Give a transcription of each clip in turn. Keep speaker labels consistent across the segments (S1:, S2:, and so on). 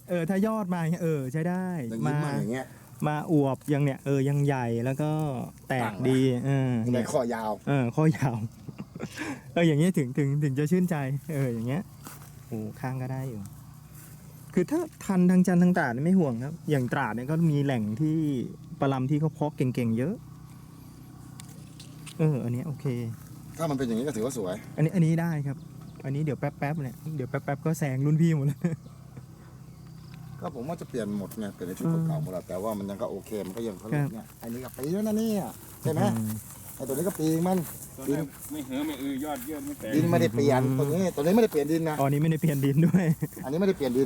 S1: ถ้ายอดมาใช้ได้
S2: อย่างนี้มาอย่างเงี้ย
S1: มาอวบยังเนี่ยยังใหญ่แล้วก็แตกดี
S2: ในข้อยาว
S1: ข้อยาวอย่างเงี้ยถึงจะชื่นใจอย่างเงี้ยโอ้ข้างก็ได้อยู่คือถ้าทันทางจันทร์ทางตราดไม่ห่วงครับอย่างตราดเนี่ยก็มีแหล่งที่ปลาลำที่เขาเพาะเก่งๆเยอะอันนี้โอเค
S2: ถ้ามันเป็นอย่างนี้ก็ถือว่าสวย
S1: อันนี้ได้ครับอันนี้เดี๋ยวแป๊บเนี่ยเดี๋ยวแป๊บก็แซงรุ่นพี่หมดแล้ว
S2: ก็ผมว่าจะเปลี่ยนหมดเนี่ยเปลี่ยนในชุดเก่าหมดแล้วแต่ว่ามันยังก็โอเคมันก็ยังเขาเนี่ยอันนี้กับปีแล้วนะเนี่ยใช่ไหมไอ้ตัวนี้ก็ปีมัน
S3: ดินไม่เหือไม่ยอดเยื่อไม่แตก
S2: ดินไม่ได้เปลี่ยนตัวนี้ไม่ได้เปลี่ยนดินนะ
S1: อันนี้ไม่ได้เปลี่ยนดินด้วย
S2: อันนี้ไม่ได้เปลี่ยนดิน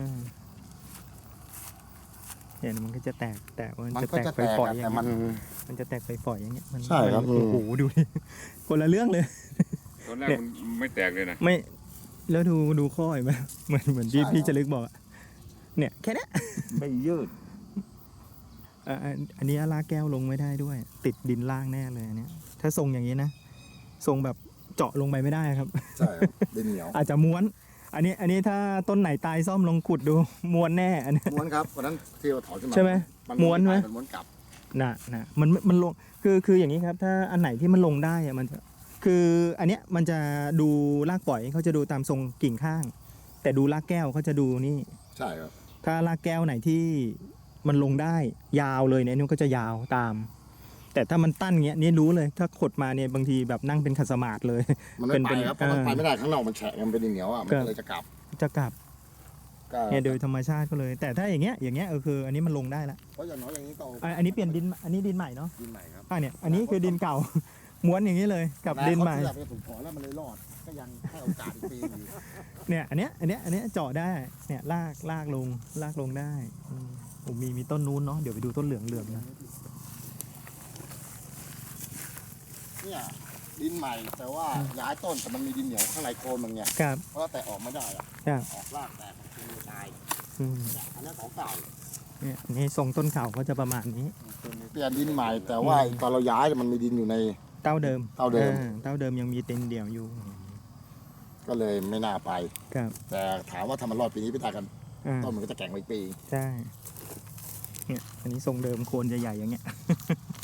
S1: เนี่ยมันก็จะแตก
S2: มันจะแตกไปปล่อยแต่
S1: มันจะแตกไปปล่อยอย่างเงี้ย
S2: ใช่ครับ
S1: โอ้โหดูดิคนละเรื่องเลย
S3: ตอนแรกมันไม่แตกเลยนะ
S1: ไม่แล้วดูข้อเห็นไหมเหมือนพี่จะลึกบอกเนี่ยแค่นี้
S2: ไม่ยืด
S1: อันนี้ลากแก้วลงไม่ได้ด้วยติดดินล่างแน่เลยอันนี้ถ้าทรงอย่างนี้นะทรงแบบเจาะลงไปไม่ได้ครับ
S2: ใช่ดินเหนียว
S1: อาจจะม้วนอันนี้ถ้าต้นไหนตายซ่อมลงขุดดูม้วนแน่อันนี้
S2: ม้วนครับวันนั้นที่เราถอนขึ้นมา
S1: ใช่ไหมม้วนไหม
S2: ม้วนกลับ
S1: นะมันลงคืออย่างนี้ครับถ้าอันไหนที่มันลงได้อะมันคืออันเนี้ยมันจะดูรากปล่อยเขาจะดูตามทรงกิ่งข้างแต่ดูรากแก้วเขาจะดูนี่
S2: ใช่ครับ
S1: ถ้ารากแก้วไหนที่มันลงได้ยาวเลยเนี่ยนี่ก็จะยาวตามแต่ถ้ามันตั้นเงี้ยนี่รู้เลยถ้าขดมาเนี่ยบางทีแบบนั่งเป็นขัดสมาธิเลย
S2: มันไม่ไปครับเพราะมันไปไม่ได้ข้างนอกมันแฉะมันเป็นดินเหนียวอ่ะมันเลยจะกลับเนี่ยโดยธรรมชาติก็เลยแต่ถ้าอย่างเงี้ยคืออันนี้มันลงได้แล้วเพราะอย่างน้อยอย่างนี้ก็
S1: อันนี้เปลี่ยนดินอันนี้ดินใหม่เนาะ
S2: ดินใหม่ครับ
S1: เนี่ยอันนี้คือดินเก่าม้วนอย่างนี้เลยกับดินใหม่
S2: ผมขอแล้วมันเลยรอดก็ยังให้โอกาสอีกปีนึง
S1: เนี่ยอันเนี้ยเจาะได้เนี่ยลากลงได้ผมมีต้นนู้นเนาะเดี๋ยวไปดูต้นเหลืองนะ
S2: เนี่ยดินใหม่แต่ว่าย้ายต้นแต่มันมีดินเหนียวข้างในโคนมันไงเพราะแต่ออกไม่ได้อะออกรากแต่มันคือตายอันนี้ของเก่า
S1: เนี่ยนี่ทรงต้นเก่าก็จะประมาณนี้
S2: เปลี่ยนดินใหม่แต่ว่าตอนเราย้ายมันมีดินอยู่ใน
S1: เต้าเดิมยังมีเต็นเดี่ยวอยู่
S2: ก็เลยไม่น่าไปแต่ถามว่าทำมันรอดปีนี้ไปตายกันต้นมันก็จะแข็งไปปี
S1: ใช่เนี่ยอันนี้ทรงเดิมโคนจะใหญ่อย่างเงี้ย